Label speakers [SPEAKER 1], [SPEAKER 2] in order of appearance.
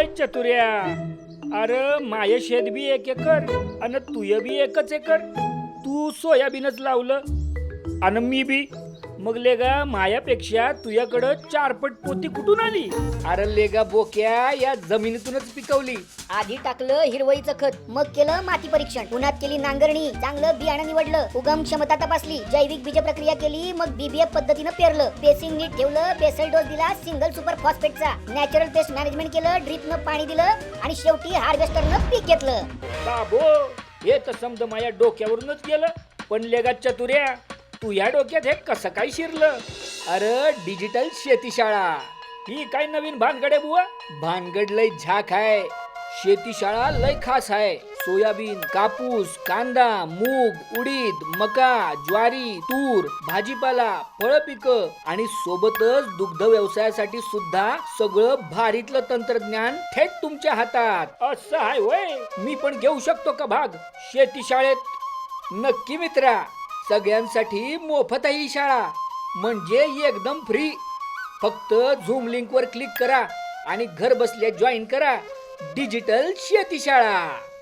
[SPEAKER 1] चतुर्या, अरे माय शेत बी 1 एकर आणि तुय बी 1 एकर. तू सोयाबीनच लावलं आणि मी बी. मग लेगा मायापेक्षा तुझ्याकडं 4 पट पोती कुठून आली? अरे लेगा बोक्या, या जमिनीतूनच पिकवली.
[SPEAKER 2] आधी टाकलं हिरवळीचं खत, मग केलं माती परीक्षण, उन्हात केली नांगरणी, चांगलं बियाणं निवडलं, उगम क्षमता तपासली, जैविक बीज प्रक्रिया केली, मग बीबीएफ पद्धतीनं पेरलं, बेसिंग नीट ठेवलं, बेसल डोस दिला सिंगल सुपर फॉस्फेटचा, नॅचरल पेस्ट मॅनेजमेंट केलं, ड्रिपनं पाणी दिलं आणि शेवटी हार्वेस्टरनं पीक घेतलं.
[SPEAKER 1] बाबो, हे तर समज माझ्या डोक्यावरूनच गेलं. पण लेगा चतुर्या, तू या डोक्यात हे कसं काय शिरलं? अरे डिजिटल शेतीशाळा ही काय नवीन भानगड आहे बुवा? भानगड लय झाक आहे. शेतीशाळा लय खास आहे. सोयाबीन, कापूस, कांदा, मूग, उडीद, मका, ज्वारी, तूर, भाजीपाला, फळ पिकं आणि सोबतच दुग्ध व्यवसायासाठी सुद्धा सगळं भारीतलं तंत्रज्ञान थेट तुमच्या हातात. असं आहे होय? मी पण घेऊ शकतो का भाग शेतीशाळेत? नक्की मित्रा, सगळ्यांसाठी मोफत आहे ही शाळा, म्हणजे एकदम फ्री. फक्त झूम लिंक वर क्लिक करा आणि घर बसल्या जॉईन करा डिजिटल शेतीशाळा.